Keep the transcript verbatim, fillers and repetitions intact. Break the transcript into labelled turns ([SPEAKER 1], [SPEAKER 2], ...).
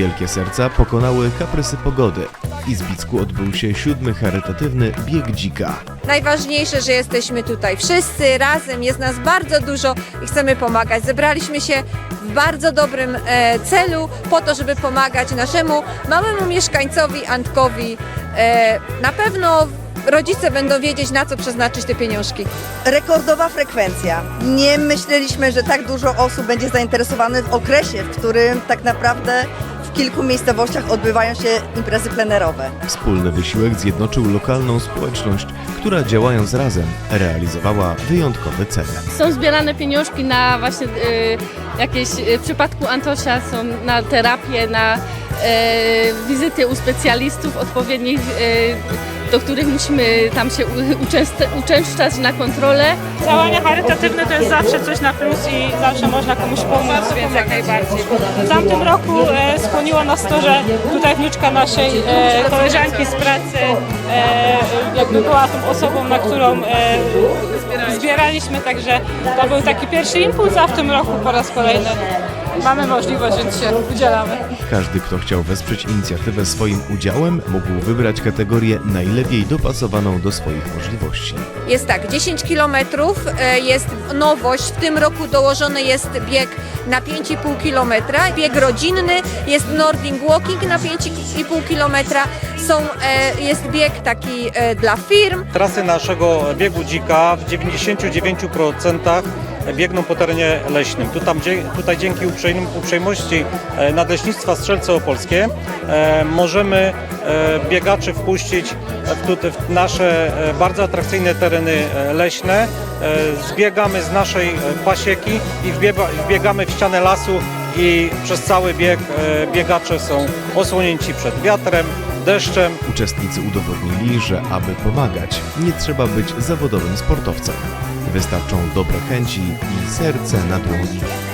[SPEAKER 1] wielkie serca pokonały kaprysy pogody. W Izbicku odbył się siódmy charytatywny Bieg Dzika.
[SPEAKER 2] Najważniejsze, że jesteśmy tutaj wszyscy razem, jest nas bardzo dużo i chcemy pomagać. Zebraliśmy się w bardzo dobrym e, celu po to, żeby pomagać naszemu małemu mieszkańcowi Antkowi. E, na pewno rodzice będą wiedzieć, na co przeznaczyć te pieniążki.
[SPEAKER 3] Rekordowa frekwencja. Nie myśleliśmy, że tak dużo osób będzie zainteresowanych w okresie, w którym tak naprawdę w kilku miejscowościach odbywają się imprezy plenerowe.
[SPEAKER 1] Wspólny wysiłek zjednoczył lokalną społeczność, która działając razem realizowała wyjątkowe cele.
[SPEAKER 4] Są zbierane pieniążki na właśnie y, jakieś, y, w przypadku Antosia są na terapię, na y, wizyty u specjalistów odpowiednich, y, do których musimy tam się uczęszczać, uczęszczać na kontrolę.
[SPEAKER 5] Działania charytatywne to jest zawsze coś na plus i zawsze można komuś pomóc, więc jak najbardziej. W tamtym roku e, skłoniło nas to, że tutaj wnuczka naszej e, koleżanki z pracy e, jakby była tą osobą, na którą e, zbieraliśmy, także to był taki pierwszy impuls, a w tym roku po raz kolejny mamy możliwość, więc się udzielamy.
[SPEAKER 1] Każdy, kto chciał wesprzeć inicjatywę swoim udziałem, mógł wybrać kategorię najlepiej dopasowaną do swoich możliwości.
[SPEAKER 2] Jest tak, dziesięć kilometrów, e, jest nowość, w tym roku dołożony jest bieg na pięć i pół kilometra, bieg rodzinny, jest Nordic Walking na pięć i pół kilometra, są, e, jest bieg taki e, dla firm.
[SPEAKER 6] Trasy naszego biegu dzika w dziewięćdziesięciu dziewięciu procentach biegną po terenie leśnym. Tutaj, tutaj dzięki uprzejmości Nadleśnictwa Strzelce Opolskie możemy biegaczy wpuścić w nasze bardzo atrakcyjne tereny leśne. Zbiegamy z naszej pasieki i wbiegamy w ścianę lasu i przez cały bieg biegacze są osłonięci przed wiatrem, deszczem.
[SPEAKER 1] Uczestnicy udowodnili, że aby pomagać, nie trzeba być zawodowym sportowcem. Wystarczą dobre chęci i serce na dłoni.